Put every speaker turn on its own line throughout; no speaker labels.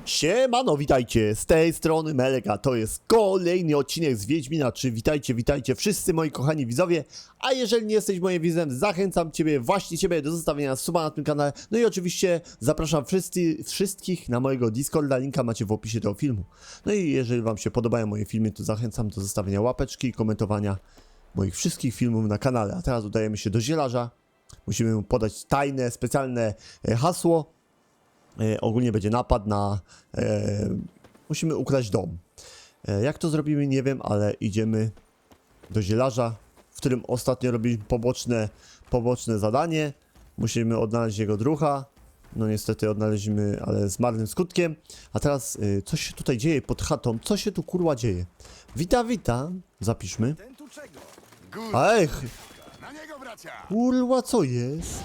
Siemano, witajcie, z tej strony Melega, to jest kolejny odcinek z Wiedźmina 3, witajcie wszyscy moi kochani widzowie, a jeżeli nie jesteś moim widzem, zachęcam właśnie ciebie do zostawienia suba na tym kanale, no i oczywiście zapraszam wszystkich na mojego Discorda, linka macie w opisie tego filmu. No i jeżeli wam się podobają moje filmy, to zachęcam do zostawienia łapeczki i komentowania moich wszystkich filmów na kanale, a teraz udajemy się do zielarza, musimy mu podać tajne, specjalne hasło. Ogólnie będzie napad na... musimy ukraść dom. Jak to zrobimy, nie wiem, ale idziemy do zielarza, w którym ostatnio robiliśmy poboczne zadanie. Musimy odnaleźć jego druha. No niestety odnaleźliśmy, ale z marnym skutkiem. A teraz, coś się tutaj dzieje pod chatą. Co się tu kurwa dzieje? Witam. Zapiszmy. Ej! Kurwa, co jest?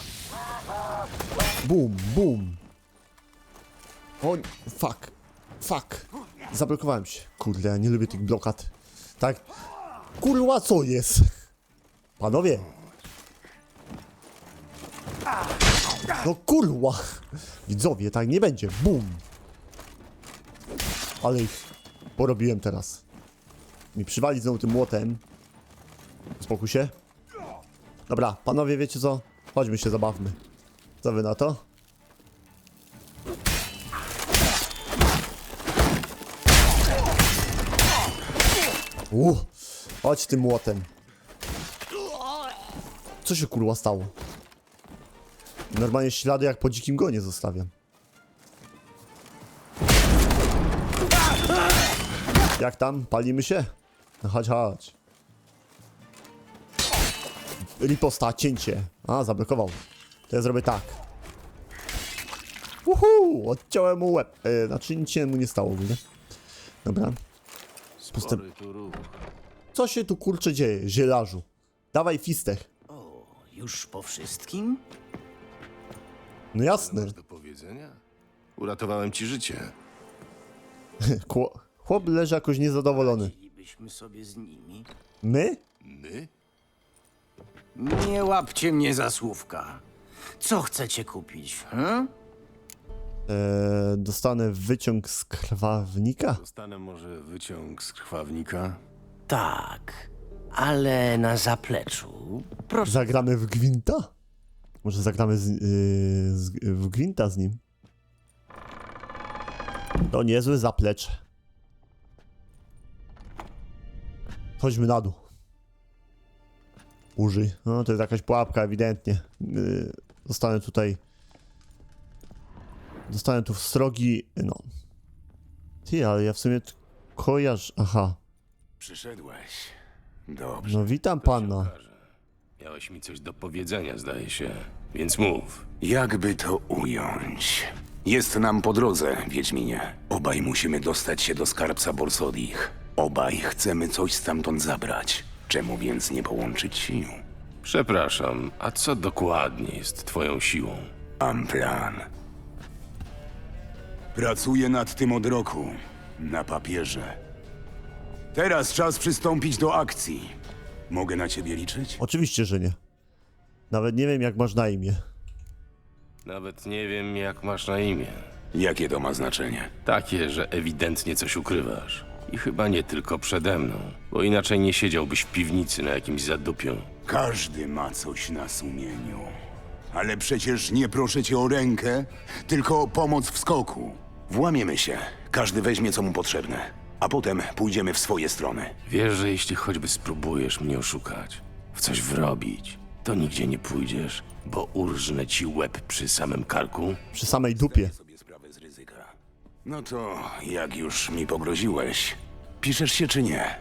Bum. O, fuck. Zablokowałem się. Kurde, ja nie lubię tych blokad. Tak? Kurwa, co jest? Panowie. No kurwa. Widzowie, tak nie będzie. Bum. Ale ich porobiłem teraz. Mi przywali znowu tym młotem. Spokój się. Dobra, panowie, wiecie co? Chodźmy się zabawmy. Co wy na to? Chodź tym młotem. Co się kurwa stało? Normalnie ślady jak po dzikim gonie zostawiam. Jak tam? Palimy się? No chodź. Riposta, cięcie. A, zablokował. To ja zrobię tak. Odciąłem mu łeb. Znaczy nic się mu nie stało, widzę. Dobra. Co się tu kurczę dzieje, zielarzu? Dawaj fistech.
O, już po wszystkim?
No jasne.
Masz do powiedzenia? Uratowałem ci życie.
Chłop leży jakoś niezadowolony.
Bylibyśmy sobie z nimi.
My?
My?
Nie łapcie mnie za słówka. Co chcecie kupić,
Dostanę wyciąg z krwawnika?
Dostanę może wyciąg z krwawnika?
Tak, ale na zapleczu. Proszę.
Zagramy w gwinta? Może zagramy w gwinta z nim? To niezły zaplecz. Chodźmy na dół. Użyj. No to jest jakaś pułapka ewidentnie. Dostanę tu srogi... No. Ty, ale ja w sumie kojarzę... Aha.
Przyszedłeś. Dobrze.
No witam
To się
pana.
okaże. Miałeś mi coś do powiedzenia, zdaje się. Więc mów.
Jakby to ująć? Jest nam po drodze, Wiedźminie. Obaj musimy dostać się do skarbca Borsodich. Obaj chcemy coś stamtąd zabrać. Czemu więc nie połączyć sił?
Przepraszam, a co dokładnie jest twoją siłą?
Mam plan. Pracuję nad tym od roku. Na papierze. Teraz czas przystąpić do akcji. Mogę na ciebie liczyć?
Oczywiście, że nie. Nawet nie wiem, jak masz na imię.
Nawet nie wiem, jak masz na imię.
Jakie to ma znaczenie?
Takie, że ewidentnie coś ukrywasz. I chyba nie tylko przede mną, bo inaczej nie siedziałbyś w piwnicy na jakimś zadupiu.
Każdy ma coś na sumieniu. Ale przecież nie proszę cię o rękę, tylko o pomoc w skoku. Włamiemy się. Każdy weźmie, co mu potrzebne. A potem pójdziemy w swoje strony.
Wiesz, że jeśli choćby spróbujesz mnie oszukać, w coś wrobić, to nigdzie nie pójdziesz, bo urżnę ci łeb przy samym karku.
Przy samej dupie.
Sobie sprawę z ryzyka. No to jak już mi pogroziłeś, piszesz się czy nie?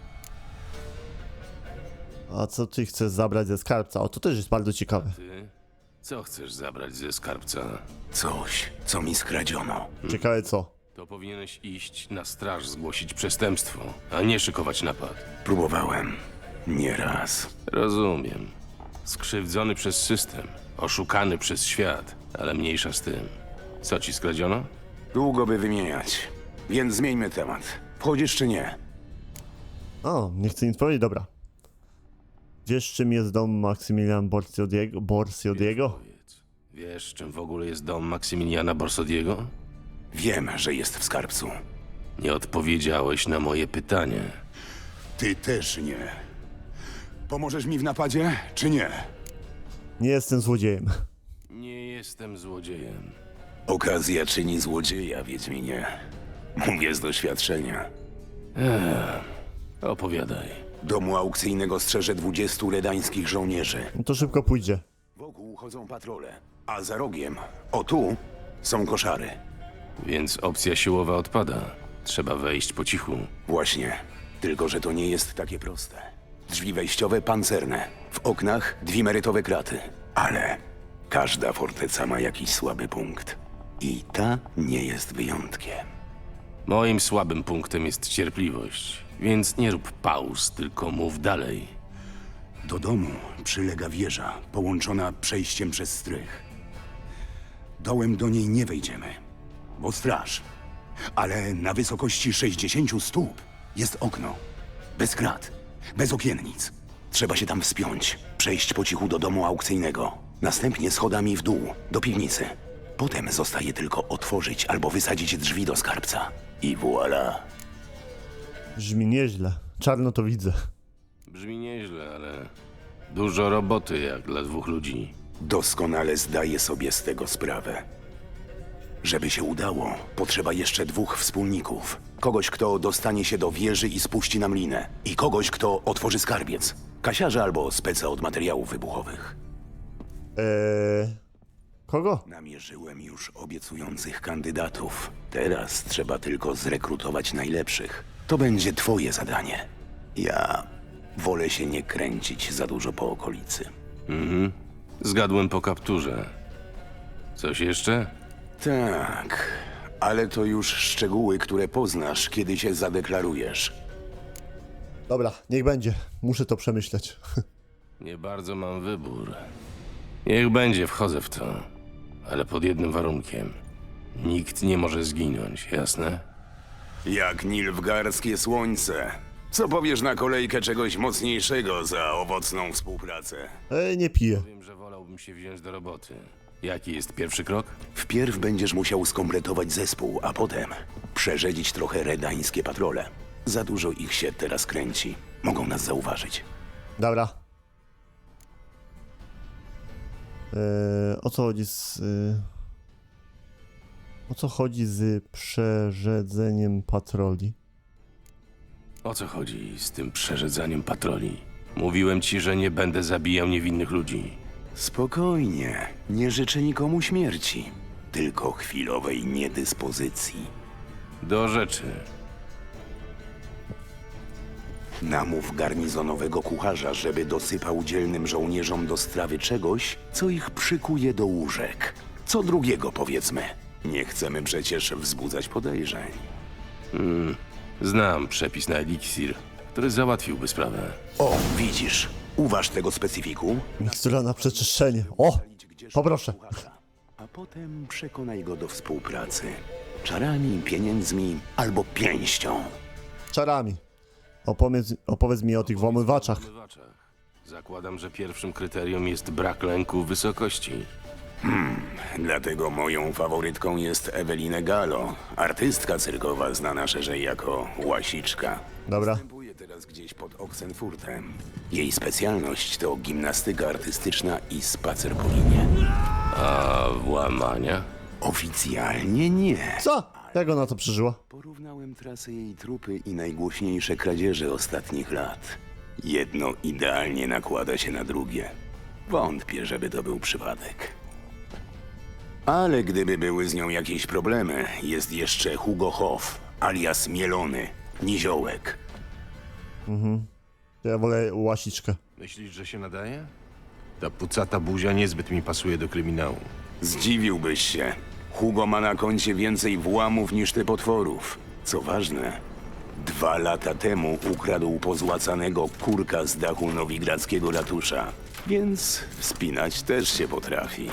A co ty chcesz zabrać ze skarbca? O, to też jest bardzo ciekawe.
Ty? Co chcesz zabrać ze skarbca?
Coś, co mi skradziono.
Ciekawe co?
To powinieneś iść na straż zgłosić przestępstwo, a nie szykować napad.
Próbowałem. Nieraz.
Rozumiem. Skrzywdzony przez system, oszukany przez świat, ale mniejsza z tym. Co ci skradziono?
Długo by wymieniać. Więc zmieńmy temat. Wchodzisz czy nie?
O, nie chcę nic powiedzieć, dobra. Wiesz, czym jest dom Maksymiliana Borsodiego?
Powiedz, wiesz, czym w ogóle jest dom Maksymiliana Borsodiego?
Wiem, że jest w skarbcu.
Nie odpowiedziałeś na moje pytanie.
Ty też nie. Pomożesz mi w napadzie, czy nie?
Nie jestem złodziejem.
Nie jestem złodziejem.
Okazja czyni złodzieja, Wiedźminie. Mówię z doświadczenia.
Opowiadaj.
Domu aukcyjnego strzeże 20 redańskich żołnierzy.
No to szybko pójdzie.
Wokół chodzą patrole, a za rogiem, o tu, są koszary.
Więc opcja siłowa odpada. Trzeba wejść po cichu.
Właśnie, tylko że to nie jest takie proste. Drzwi wejściowe pancerne, w oknach dwimerytowe kraty. Ale każda forteca ma jakiś słaby punkt. I ta nie jest wyjątkiem.
Moim słabym punktem jest cierpliwość, więc nie rób pauz, tylko mów dalej.
Do domu przylega wieża, połączona przejściem przez strych. Dołem do niej nie wejdziemy, bo straż. Ale na wysokości 60 stóp jest okno. Bez krat, bez okiennic. Trzeba się tam wspiąć, przejść po cichu do domu aukcyjnego. Następnie schodami w dół, do piwnicy. Potem zostaje tylko otworzyć albo wysadzić drzwi do skarbca. I voilà.
Brzmi nieźle. Czarno to widzę.
Brzmi nieźle, ale dużo roboty jak dla dwóch ludzi.
Doskonale zdaję sobie z tego sprawę. Żeby się udało, potrzeba jeszcze 2 wspólników. Kogoś, kto dostanie się do wieży i spuści nam linę. I kogoś, kto otworzy skarbiec. Kasiarza albo speca od materiałów wybuchowych.
Kogo?
Namierzyłem już obiecujących kandydatów. Teraz trzeba tylko zrekrutować najlepszych. To będzie twoje zadanie. Ja wolę się nie kręcić za dużo po okolicy.
Zgadłem po kapturze. Coś jeszcze?
Tak, ale to już szczegóły, które poznasz, kiedy się zadeklarujesz.
Dobra, niech będzie. Muszę to przemyśleć.
Nie bardzo mam wybór. Niech będzie, wchodzę w to. Ale pod jednym warunkiem. Nikt nie może zginąć, jasne?
Jak nilfgaardzkie słońce. Co powiesz na kolejkę czegoś mocniejszego za owocną współpracę?
Nie piję.
Wiem, że wolałbym się wziąć do roboty. Jaki jest pierwszy krok?
Wpierw będziesz musiał skompletować zespół, a potem przerzedzić trochę redańskie patrole. Za dużo ich się teraz kręci. Mogą nas zauważyć.
Dobra. O co chodzi z... O co chodzi z przerzedzeniem patroli?
O co chodzi z tym przerzedzaniem patroli? Mówiłem ci, że nie będę zabijał niewinnych ludzi.
Spokojnie. Nie życzę nikomu śmierci. Tylko chwilowej niedyspozycji.
Do rzeczy.
Namów garnizonowego kucharza, żeby dosypał dzielnym żołnierzom do strawy czegoś, co ich przykuje do łóżek. Co drugiego, powiedzmy. Nie chcemy przecież wzbudzać podejrzeń.
Znam przepis na eliksir, który załatwiłby sprawę.
O, widzisz. Uważ tego specyfiku.
Mikstura na przeczyszczenie. O! Poproszę.
A potem przekonaj go do współpracy. Czarami, pieniędzmi albo pięścią.
Czarami. Opowiedz mi o tych włamywaczach.
Zakładam, że pierwszym kryterium jest brak lęku wysokości.
Dlatego moją faworytką jest Ewelina Gallo, artystka cyrkowa znana szerzej jako Łasiczka.
Dobra.
Występuje teraz gdzieś pod Oxenfurtem. Jej specjalność to gimnastyka artystyczna i spacer po linie.
A włamania?
Oficjalnie nie.
Co? Jak ona to przeżyła?
Porównałem trasę jej trupy i najgłośniejsze kradzieże ostatnich lat. Jedno idealnie nakłada się na drugie. Wątpię, żeby to był przypadek. Ale gdyby były z nią jakieś problemy, jest jeszcze Hugo Hoff, alias Mielony, Niziołek.
Ja wolę łasiczkę.
Myślisz, że się nadaje? Ta pucata buzia niezbyt mi pasuje do kryminału.
Zdziwiłbyś się. Hugo ma na koncie więcej włamów niż ty potworów. Co ważne, 2 lata temu ukradł pozłacanego kurka z dachu nowigradzkiego ratusza. Więc wspinać też się potrafi.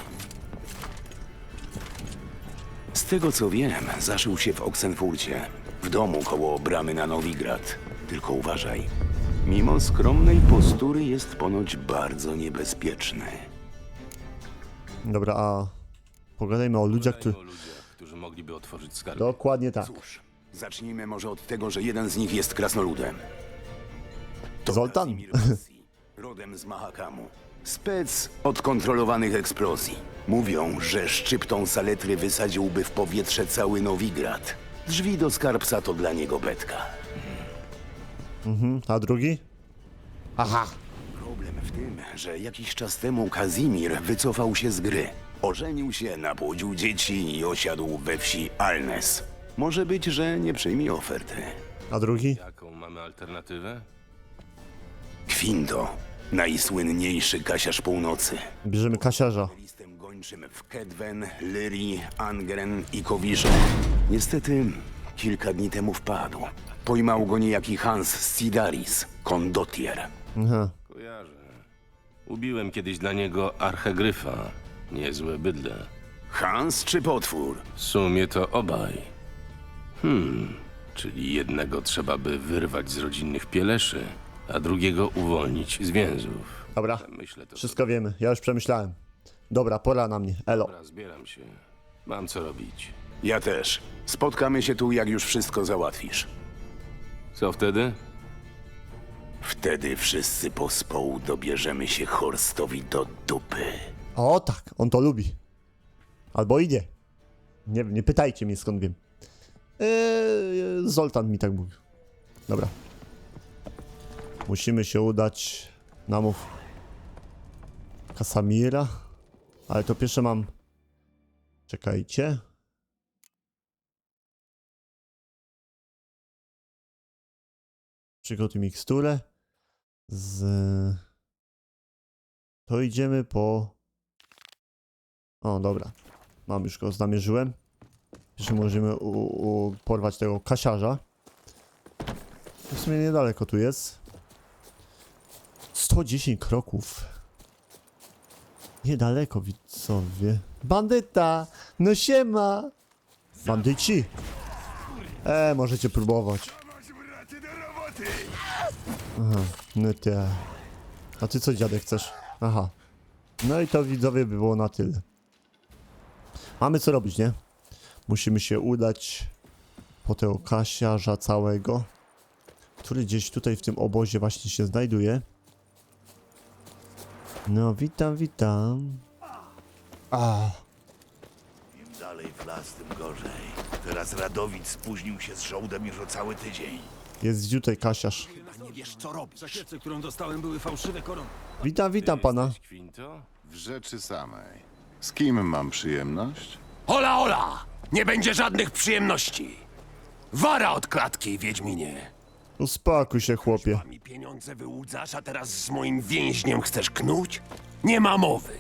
Z tego co wiem, zaszył się w Oxenfurcie, w domu koło bramy na Nowigrad. Tylko uważaj. Mimo skromnej postury jest ponoć bardzo niebezpieczny.
Dobra, a... Pogadajmy o ludziach,
którzy mogliby otworzyć skarb.
Dokładnie tak.
Cóż, zacznijmy może od tego, że jeden z nich jest krasnoludem. To
Zoltan.
Kazimir Bassi, rodem z Mahakamu. Spec od kontrolowanych eksplozji. Mówią, że szczyptą saletry wysadziłby w powietrze cały Nowigrad. Drzwi do skarbca to dla niego betka.
A drugi? Aha.
Problem w tym, że jakiś czas temu Kazimir wycofał się z gry. Ożenił się, napłodził dzieci i osiadł we wsi Alnes. Może być, że nie przyjmie oferty.
A drugi?
Jaką mamy alternatywę?
Kwinto, najsłynniejszy kasiarz północy.
Bierzemy kasiarza.
Listem gończym w Kedwen, Lyrii, Angren i Kowirze. Niestety, kilka dni temu wpadł. Pojmał go niejaki Hans Sidaris, kondottier.
Aha.
Kojarzę. Ubiłem kiedyś dla niego archegryfa. Niezłe bydle.
Hans czy potwór?
W sumie to obaj. Czyli jednego trzeba by wyrwać z rodzinnych pieleszy, a drugiego uwolnić z więzów.
Dobra,
Myślę to.
wszystko wiemy. Ja już przemyślałem. Dobra, pora na mnie. Elo.
Dobra, zbieram się. Mam co robić.
Ja też. Spotkamy się tu, jak już wszystko załatwisz.
Co wtedy?
Wtedy wszyscy pospołu dobierzemy się Horstowi do dupy.
O tak, on to lubi. Albo i nie. Nie wiem, nie pytajcie mnie skąd wiem. Zoltan mi tak mówił. Dobra. Musimy się udać. Namów Kasamira. Ale to pierwsze mam. Czekajcie. Przygotuj miksturę. To idziemy po... O, dobra. Mam już go, namierzyłem. Jeszcze możemy porwać tego kasiarza. W sumie niedaleko tu jest. 110 kroków. Niedaleko, widzowie. Bandyta! No siema! Bandyci! Możecie próbować. Aha, no te. A ty co, dziadek, chcesz? Aha. No i to, widzowie, by było na tyle. Mamy co robić, nie? Musimy się udać po tego kasiarza całego, który gdzieś tutaj w tym obozie właśnie się znajduje. No, witam, witam.
Im dalej w las, tym gorzej. Teraz Radowid spóźnił się z żołdem już o cały tydzień.
Jest tutaj kasiarz.
Nie wiesz, co robić.
Zakiece, którą dostałem, były fałszywe korony.
Witam, witam pana.
Jesteś Kwinto?
W rzeczy samej. Z kim mam przyjemność?
Hola, hola! Nie będzie żadnych przyjemności. Wara od klatki, Wiedźminie.
Uspokój się, chłopie.
A mi pieniądze wyłudzasz, a teraz z moim więźniem chcesz knuć? Nie ma mowy.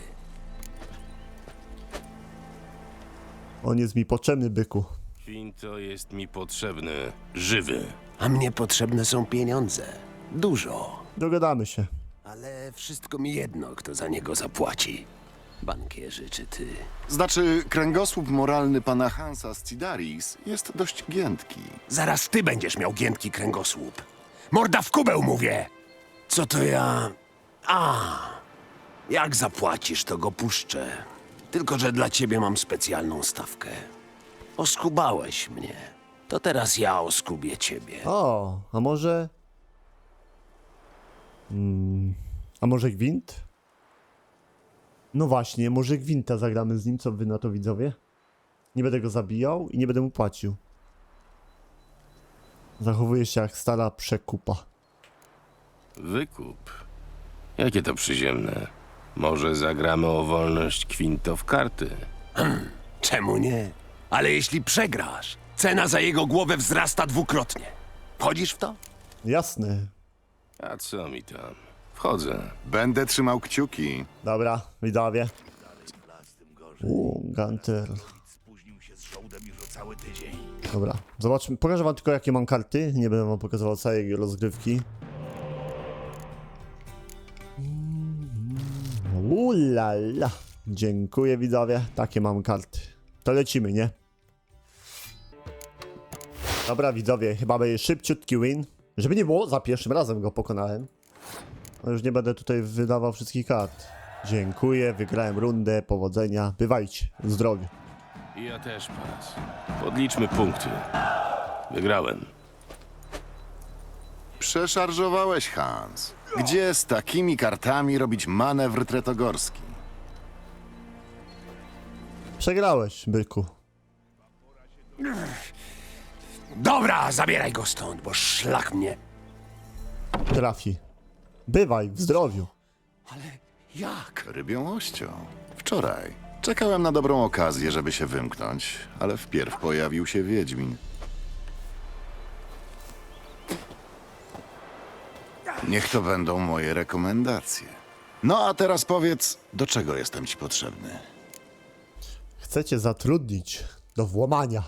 On jest mi potrzebny, byku.
Kwinto jest mi potrzebny żywy.
A mnie potrzebne są pieniądze. Dużo.
Dogadamy się.
Ale wszystko mi jedno, kto za niego zapłaci. Bankierzy czy ty?
Znaczy, kręgosłup moralny pana Hansa Scidaris jest dość giętki.
Zaraz ty będziesz miał giętki kręgosłup. Morda w kubeł, mówię! Co to ja... Jak zapłacisz, to go puszczę. Tylko że dla ciebie mam specjalną stawkę. Oskubałeś mnie. To teraz ja oskubię ciebie.
O, a może... A może gwint? No właśnie, może gwinta zagramy z nim, co wy na to, widzowie? Nie będę go zabijał i nie będę mu płacił. Zachowuje się jak stara przekupa.
Wykup. Jakie to przyziemne. Może zagramy o wolność Kwinto w karty.
Czemu nie? Ale jeśli przegrasz, cena za jego głowę wzrasta dwukrotnie. Wchodzisz w to?
Jasne.
A co mi tam? Wchodzę.
Będę trzymał kciuki.
Dobra, widzowie.
W las, tym gorzej.
Gunter.
Spóźnił się z żołdem już o cały tydzień.
Dobra, zobaczmy. Pokażę wam tylko, jakie mam karty. Nie będę wam pokazywał całej rozgrywki. Ulala. Dziękuję, widzowie. Takie mam karty. To lecimy, nie? Dobra, widzowie, chyba będzie szybciutki win. Żeby nie było, za pierwszym razem go pokonałem. No już nie będę tutaj wydawał wszystkich kart. Dziękuję, wygrałem rundę, powodzenia. Bywajcie, zdrowie.
I ja też pas. Podliczmy punkty. Wygrałem.
Przeszarżowałeś, Hans. Gdzie z takimi kartami robić manewr tretogorski?
Przegrałeś, byku.
Dobra, zabieraj go stąd, bo szlak mnie.
Trafi. Bywaj, w zdrowiu.
Ale jak?
Rybią ością. Wczoraj. Czekałem na dobrą okazję, żeby się wymknąć, ale wpierw pojawił się Wiedźmin. Niech to będą moje rekomendacje. No a teraz powiedz, do czego jestem ci potrzebny?
Chcecie zatrudnić do włamania.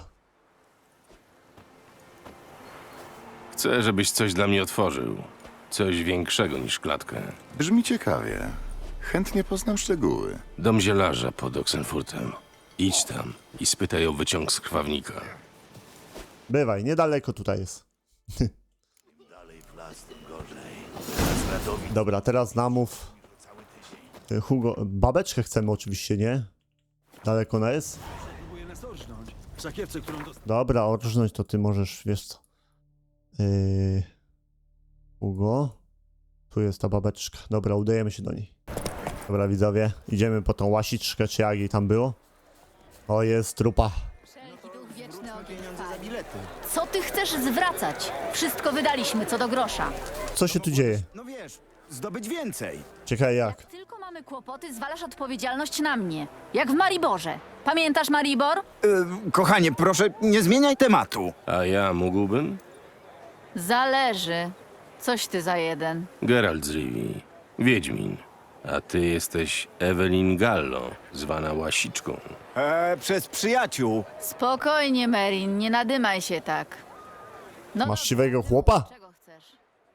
Chcę, żebyś coś dla mnie otworzył. Coś większego niż klatkę.
Brzmi ciekawie. Chętnie poznam szczegóły.
Dom zielarza pod Oxenfurtem. Idź tam i spytaj o wyciąg z krwawnika.
Bywaj, niedaleko tutaj jest.
Dalej w las, tym gorzej. Teraz Radowid
Dobra, teraz namów. Hugo, babeczkę chcemy oczywiście, nie? Daleko ona jest?
Próbuję nas orżnąć. W sakiewce, którą dostałem.
Dobra, orżnąć to ty możesz, wiesz co. Hugo. Tu jest ta babeczka. Dobra, udajemy się do niej. Dobra, widzowie, idziemy po tą łasiczkę, czy jak jej tam było. O, jest trupa.
Wszelki duch wieczny ogień trwa. Co ty chcesz zwracać? Wszystko wydaliśmy co do grosza.
Co się tu dzieje?
No wiesz, zdobyć więcej.
Ciekawe jak.
Tylko mamy kłopoty, zwalasz odpowiedzialność na mnie. Jak w Mariborze. Pamiętasz Maribor?
Kochanie, proszę, nie zmieniaj tematu.
A ja mógłbym?
Zależy. Coś ty za jeden.
Geralt z Rivii. Wiedźmin. A ty jesteś Evelyn Gallo, zwana Łasiczką.
Przez przyjaciół.
Spokojnie, Merin, nie nadymaj się tak. No,
Masz siwego chłopa?
czego chcesz?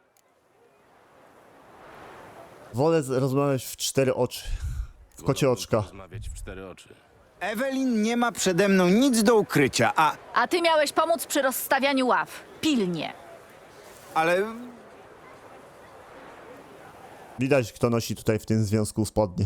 Wolę rozmawiać w 4 oczy. W kocie oczka.
Rozmawiać w 4 oczy.
Ewelin nie ma przede mną nic do ukrycia,
A ty miałeś pomóc przy rozstawianiu ław. Pilnie.
ale
Widać, kto nosi tutaj w tym związku spodnie.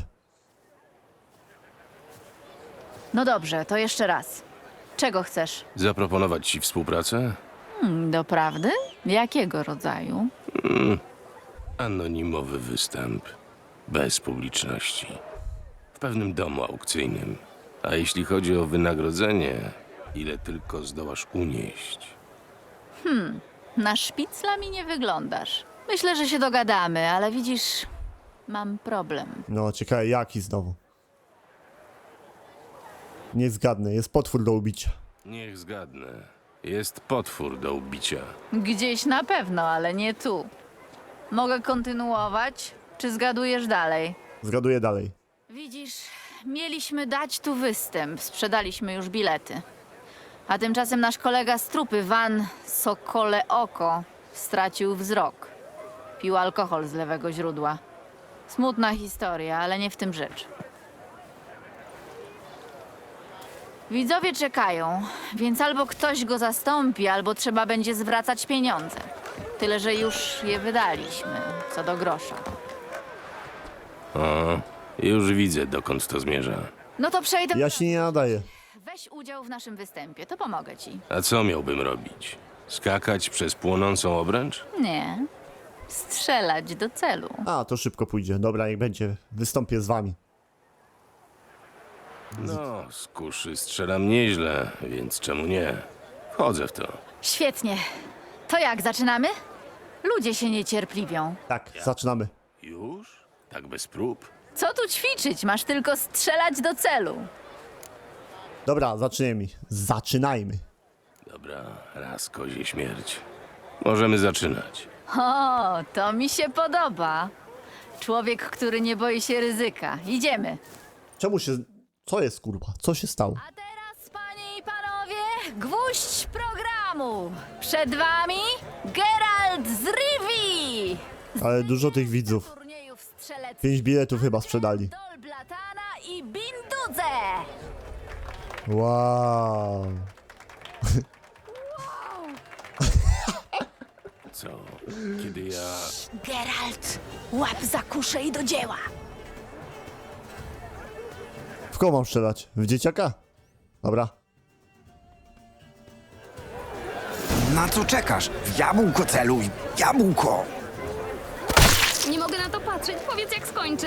No dobrze, to jeszcze raz. Czego chcesz?
Zaproponować ci współpracę?
Doprawdy? Jakiego rodzaju?
Anonimowy występ. Bez publiczności. W pewnym domu aukcyjnym. A jeśli chodzi o wynagrodzenie, ile tylko zdołasz unieść.
Na szpicla mi nie wyglądasz. Myślę, że się dogadamy, ale widzisz, mam problem.
No, ciekawe jaki znowu. Nie zgadnę, jest potwór do ubicia.
Niech zgadnę. Jest potwór do ubicia.
Gdzieś na pewno, ale nie tu. Mogę kontynuować, czy zgadujesz dalej?
Zgaduję dalej.
Widzisz, mieliśmy dać tu występ, sprzedaliśmy już bilety. A tymczasem nasz kolega z trupy, Van Sokole Oko, stracił wzrok. Pił alkohol z lewego źródła. Smutna historia, ale nie w tym rzecz. Widzowie czekają, więc albo ktoś go zastąpi, albo trzeba będzie zwracać pieniądze. Tyle, że już je wydaliśmy, co do grosza.
O, już widzę, dokąd to zmierza.
No to przejdę.
Ja się nie nadaję.
Weź udział w naszym występie, to pomogę ci.
A co miałbym robić? Skakać przez płonącą obręcz?
Nie. Strzelać do celu.
A, to szybko pójdzie. Dobra, niech będzie. Wystąpię z wami.
No, z kuszy strzelam nieźle, więc czemu nie? Wchodzę w to.
Świetnie. To jak, zaczynamy? Ludzie się niecierpliwią.
Tak, zaczynamy.
Już? Tak bez prób?
Co tu ćwiczyć? Masz tylko strzelać do celu.
Dobra, zaczynajmy. Zaczynajmy.
Dobra, raz kozie śmierć. Możemy zaczynać.
O, to mi się podoba. Człowiek, który nie boi się ryzyka. Idziemy.
Czemu się... Co jest, kurwa? Co się stało?
A teraz, panie i panowie, gwóźdź programu. Przed wami Geralt z Rivii.
Ale dużo tych widzów.
Turniejów strzeleckich
5 biletów chyba sprzedali.
Dolblatana i Bindudze.
Wow.
Co? Kiedy ja...
Geralt, łap za kuszę i do dzieła.
W kogo mam strzelać? W dzieciaka? Dobra.
Na co czekasz? W jabłko celuj! Jabłko!
Nie mogę na to patrzeć. Powiedz, jak skończy.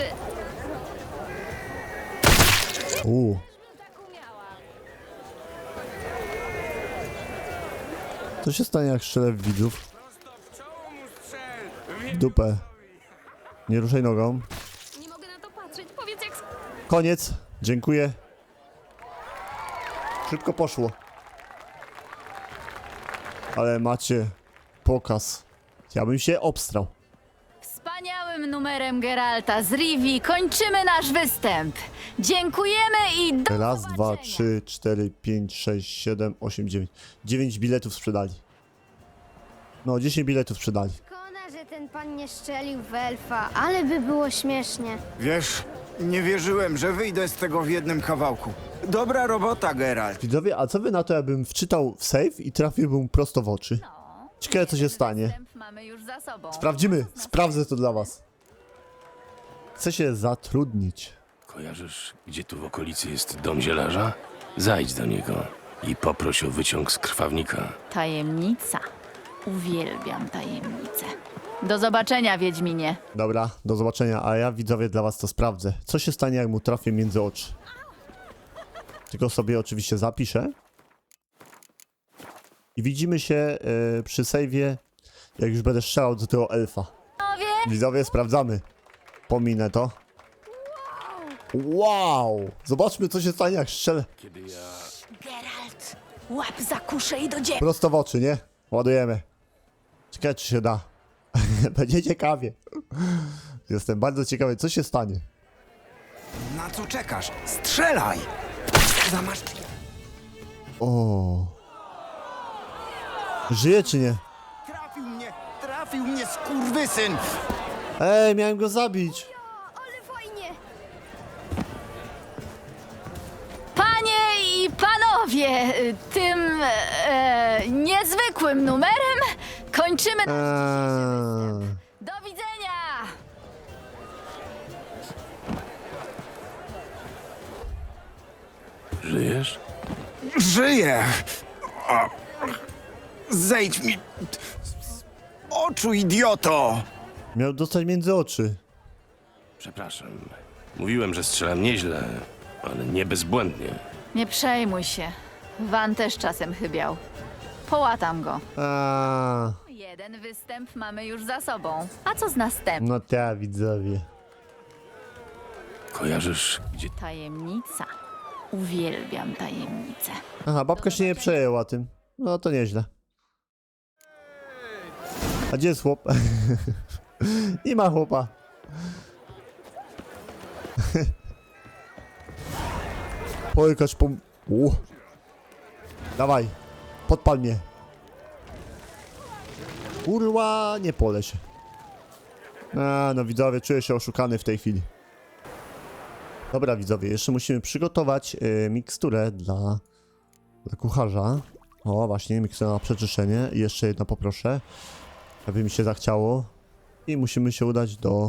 Co się stanie, jak strzelę w widzów? W dupę. Nie ruszaj nogą.
Nie mogę na to patrzeć. Powiedz, jak skończy.
Koniec. Dziękuję. Szybko poszło. Ale macie pokaz. Ja bym się obstrał.
Wspaniałym numerem Geralta z Rivii kończymy nasz występ. Dziękujemy i do
Raz,
zobaczenia.
dwa, 3, 4, 5, 6, 7, 8, 9. 9 biletów sprzedali. No, 10 biletów sprzedali.
Szkoda, że ten pan nie strzelił w elfa, ale by było śmiesznie.
Wiesz, nie wierzyłem, że wyjdę z tego w jednym kawałku. Dobra robota, Geralt.
Widzowie, a co wy na to, jakbym wczytał w save i trafiłbym prosto w oczy? Ciekawe, co się stanie.
Występ mamy już za sobą.
Sprawdzimy. Sprawdzę to dla was. Chcę się zatrudnić.
Kojarzysz, gdzie tu w okolicy jest dom zielarza? Zajdź do niego i poproś o wyciąg z krwawnika.
Tajemnica. Uwielbiam tajemnice. Do zobaczenia, Wiedźminie.
Dobra, do zobaczenia, a ja widzowie dla was to sprawdzę. Co się stanie, jak mu trafię między oczy? Tylko sobie oczywiście zapiszę. I widzimy się przy save'ie, jak już będę strzelał do tego elfa. Widzowie, sprawdzamy. Pominę to. Wow! Zobaczmy, co się stanie, jak strzelę.
Geralt, łap za kuszę i do dzieła.
Prosto w oczy, nie? Ładujemy. Ciekawe, czy się da. Będzie ciekawie. Jestem bardzo ciekawy, co się stanie.
Na co czekasz? Strzelaj! Zamasz...
O. Żyje czy nie?
Trafił mnie, skurwysyn!
Ej, miałem go zabić.
Ale fajnie!
Panie i panowie, tym niezwykłym numerem kończymy nasz dzisiejszy występ. Do widzenia!
Żyjesz?
Żyję! O, zejdź mi... z oczu, idioto!
Miał dostać między oczy.
Przepraszam. Mówiłem, że strzelam nieźle, ale nie bezbłędnie.
Nie przejmuj się. Van też czasem chybiał. Połatam go. Jeden występ mamy już za sobą. A co z następnym?
No ta widzowie.
Kojarzysz, gdzie...
Tajemnica. Uwielbiam tajemnice.
Aha, babka się nie przejęła tym. No to nieźle. A gdzie jest chłop? Nie ma chłopa. Pojkacz po... Dawaj. Podpal mnie. Kurwa, nie pole się. No widzowie, czuję się oszukany w tej chwili. Dobra widzowie, jeszcze musimy przygotować miksturę dla kucharza. O, właśnie, mikstura na przeczyszczenie. I jeszcze jedno poproszę, aby mi się zachciało. I musimy się udać do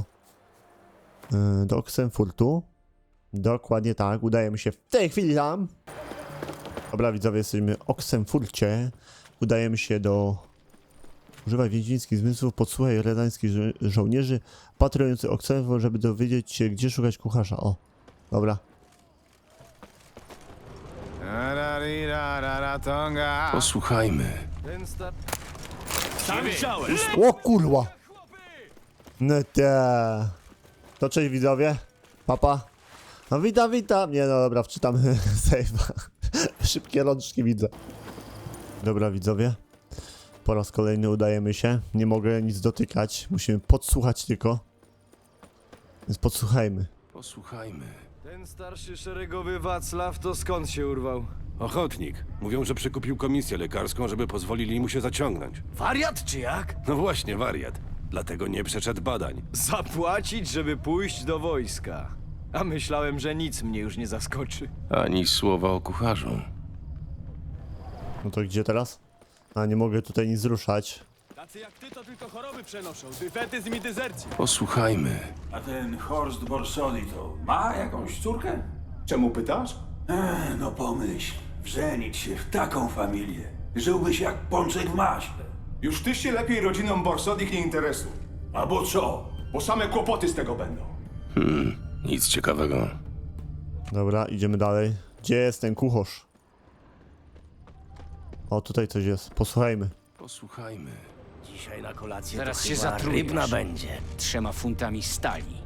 Oxenfurtu. Dokładnie tak, udajemy się w tej chwili tam. Dobra widzowie, jesteśmy w Oxenfurcie. Udajemy się do... Używaj wiedźmińskich zmysłów, podsłuchaj redańskich żołnierzy patrujących Oxenfurt, żeby dowiedzieć się, gdzie szukać kucharza. O, dobra.
Posłuchajmy.
Sam chciałem!
O kurwa! No te. To cześć widzowie. Papa. No witam, witam. Nie no dobra, wczytam save'a. Szybkie rączki widzę. Dobra widzowie. Po raz kolejny udajemy się. Nie mogę nic dotykać. Musimy podsłuchać tylko. Więc podsłuchajmy.
Posłuchajmy.
Ten starszy szeregowy Wacław to skąd się urwał?
Ochotnik. Mówią, że przekupił komisję lekarską, żeby pozwolili mu się zaciągnąć.
Wariat czy jak?
No właśnie, wariat. Dlatego nie przeszedł badań.
Zapłacić, żeby pójść do wojska. A myślałem, że nic mnie już nie zaskoczy.
Ani słowa o kucharzu.
No to gdzie teraz? A nie mogę tutaj nic ruszać.
Tacy jak ty to tylko choroby przenoszą, dyfetyzm i dezercję.
Posłuchajmy.
A ten Horst Borsodi to ma jakąś córkę? Czemu pytasz? No pomyśl, wżenić się w taką familię. Żyłbyś jak pączek w maśle.
Już ty się lepiej rodziną Borsodich nie interesuj,
Albo co?
bo same kłopoty z tego będą.
Nic ciekawego.
Dobra, idziemy dalej. Gdzie jest ten kucharz? O, tutaj coś jest. Posłuchajmy.
Posłuchajmy.
Dzisiaj na kolację
Zaraz
to
się
chyba
zatrujesz.
rybna będzie.
3 funtami stali.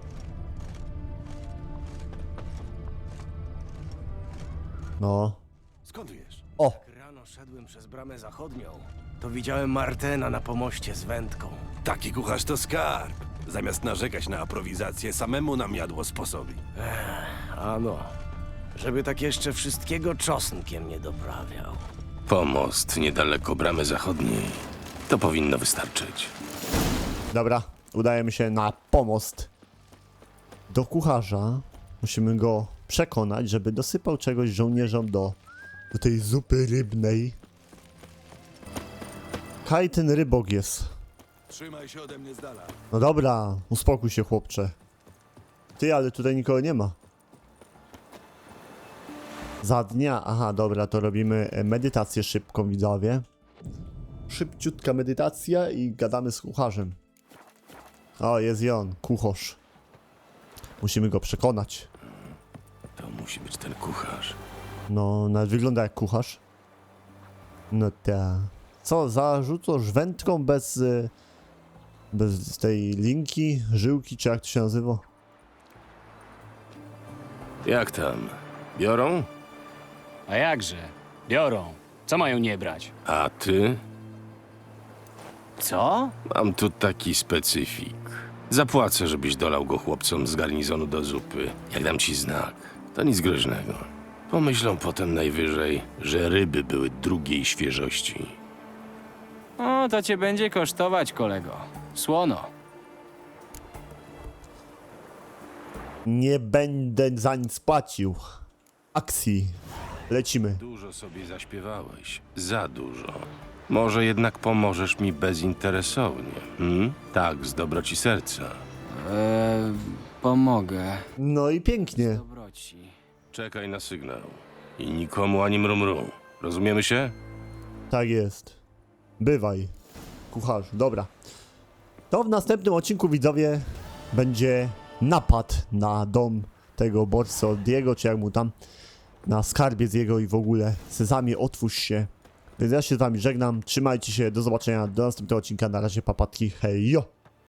No.
Skąd wiesz?
O!
Jak rano szedłem przez bramę zachodnią, to widziałem Martena na pomoście z wędką.
Taki kucharz to skarb. Zamiast narzekać na aprowizację, samemu nam jadło sposobi.
Ano, żeby tak jeszcze wszystkiego czosnkiem nie doprawiał.
Pomost niedaleko bramy zachodniej. To powinno wystarczyć.
Dobra, udajemy się na pomost. Do kucharza. Musimy go przekonać, żeby dosypał czegoś żołnierzom do tej zupy rybnej. Kaj ten rybok jest.
Trzymaj się ode mnie z dala.
No dobra, uspokój się, chłopcze. Ty, ale tutaj nikogo nie ma. Za dnia, aha, dobra, to robimy medytację szybką, widzowie. Szybciutka medytacja i gadamy z kucharzem. O, jest i on, kucharz. Musimy go przekonać.
To musi być ten kucharz.
No, nawet wygląda jak kucharz. No ta. Co, zarzucasz wędką bez tej linki, żyłki, czy jak to się nazywa?
Jak tam? Biorą?
A jakże? Biorą. Co mają nie brać?
A ty?
Co?
Mam tu taki specyfik. Zapłacę, żebyś dolał go chłopcom z garnizonu do zupy. Jak dam ci znak, to nic groźnego. Pomyślą potem najwyżej, że ryby były drugiej świeżości.
O, to cię będzie kosztować, kolego. Słono.
Nie będę za nic płacił. Akcji. Lecimy.
Dużo sobie zaśpiewałeś. Za dużo. Może jednak pomożesz mi bezinteresownie. Tak, z dobroci serca.
Pomogę.
No i pięknie.
Dobroci.
Czekaj na sygnał. I nikomu ani mrumru. Rozumiemy się?
Tak jest. Bywaj, kucharz. Dobra. To w następnym odcinku, widzowie, będzie napad na dom tego Borsodiego, czy jak mu tam, na skarbiec jego i w ogóle. Sezamie, otwórz się. Więc ja się z wami żegnam. Trzymajcie się. Do zobaczenia. Do następnego odcinka. Na razie, papatki. Hej, jo!